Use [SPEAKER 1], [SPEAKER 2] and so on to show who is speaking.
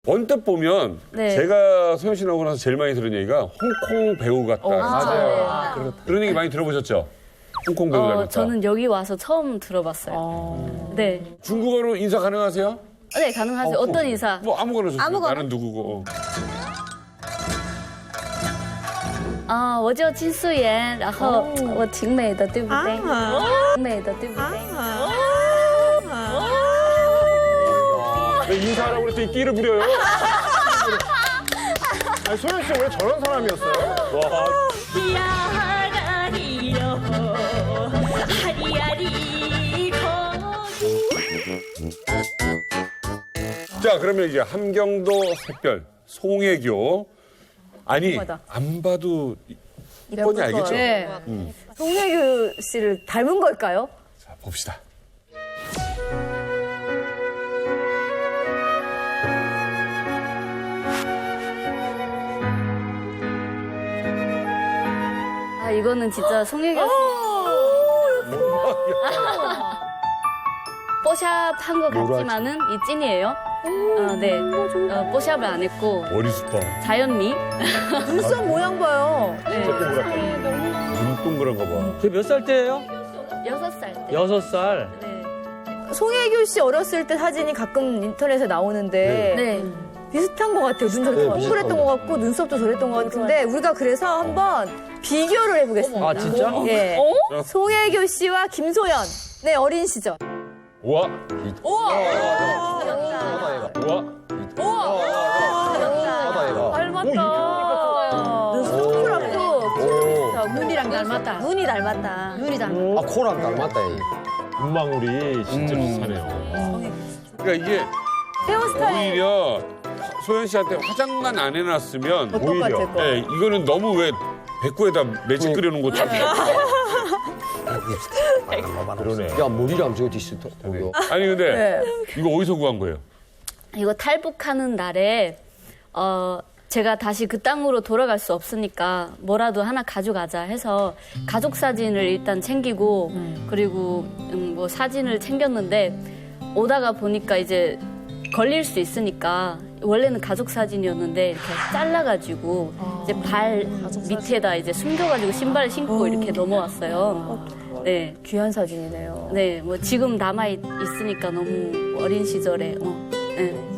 [SPEAKER 1] 언뜻 보면
[SPEAKER 2] 네.
[SPEAKER 1] 제가 소연 씨 나오고 나서 제일 많이 들은 얘기가 홍콩 배우 같다.
[SPEAKER 2] 맞아요.
[SPEAKER 1] 그런 얘기 많이 들어보셨죠? 홍콩 배우 닮았다.
[SPEAKER 2] 저는 여기 와서 처음 들어봤어요. 네.
[SPEAKER 1] 중국어로 인사 가능하세요?
[SPEAKER 2] 네, 가능하세요. 어떤 인사?
[SPEAKER 1] 뭐 아무거나 좋습니다.
[SPEAKER 3] 아무거나.
[SPEAKER 1] 나는 누구고.
[SPEAKER 2] 我叫金素妍，然后我挺美的，对不对？挺美的，对不对？
[SPEAKER 1] 인사하라고 그랬더니 끼를 부려요.
[SPEAKER 4] 아니, 소연 씨 원래 저런 사람이었어요?
[SPEAKER 1] 와. 자, 그러면 이제 함경도 샛별, 송혜교. 아니, 안 봐도 뻔히 알겠죠?
[SPEAKER 3] 네. 송혜교 씨를 닮은 걸까요?
[SPEAKER 1] 자, 봅시다.
[SPEAKER 2] 아, 이거는 진짜 송혜교 씨. 뽀샵 한 것 같지만은 이 찐이에요. 네. 뽀샵을 안 했고
[SPEAKER 1] 머리숱 봐.
[SPEAKER 2] 자연미.
[SPEAKER 3] 눈썹 모양 봐요.
[SPEAKER 2] 네.
[SPEAKER 1] 눈 동그란 거 봐.
[SPEAKER 5] 그게 몇 살 때예요?
[SPEAKER 2] 6살 때.
[SPEAKER 5] 6살.
[SPEAKER 2] 네.
[SPEAKER 3] 송혜교 씨 어렸을 때 사진이 가끔 인터넷에 나오는데
[SPEAKER 2] 네.
[SPEAKER 3] 비슷한 것 같아요. 눈썹이 동그랬던 것 같고 눈썹도 저랬던 것 같은데 우리가 그래서 한번 비교를 해보겠습니다.
[SPEAKER 5] 아, 진짜?
[SPEAKER 3] 예. 송혜교 씨와 김소연. 네, 어린 시절.
[SPEAKER 1] 우와. 우와.
[SPEAKER 3] 닮았다. 눈썹 동그랗고
[SPEAKER 6] 눈이랑 닮았다.
[SPEAKER 3] 눈이 닮았다.
[SPEAKER 6] 눈이 닮았다.
[SPEAKER 4] 아, 코랑 닮았다, 이.
[SPEAKER 7] 눈망울이 진짜 비슷하네요.
[SPEAKER 1] 그러니까 이게
[SPEAKER 3] 헤어스타일
[SPEAKER 1] 오히려 소연 씨한테 화장만 안 해놨으면
[SPEAKER 3] 어떨 것 같을 거.
[SPEAKER 1] 네, 이거는 너무 왜 배꼽에다 매직 그려놓은 것처럼.
[SPEAKER 7] 그러네.
[SPEAKER 4] 야, 머리랑 저거 디스터.
[SPEAKER 1] 아니 근데
[SPEAKER 3] 네.
[SPEAKER 1] 이거 어디서 구한 거예요?
[SPEAKER 2] 이거 탈북하는 날에 제가 다시 그 땅으로 돌아갈 수 없으니까 뭐라도 하나 가져가자 해서 가족 사진을 일단 챙기고 그리고 뭐 사진을 챙겼는데 오다가 보니까 이제 걸릴 수 있으니까 원래는 가족 사진이었는데 이렇게 잘라가지고 이제 발 밑에다 이제 숨겨가지고 신발을 신고 이렇게 넘어왔어요. 네.
[SPEAKER 3] 귀한 사진이네요.
[SPEAKER 2] 네, 뭐 지금 남아 있으니까 너무 어린 시절에 네.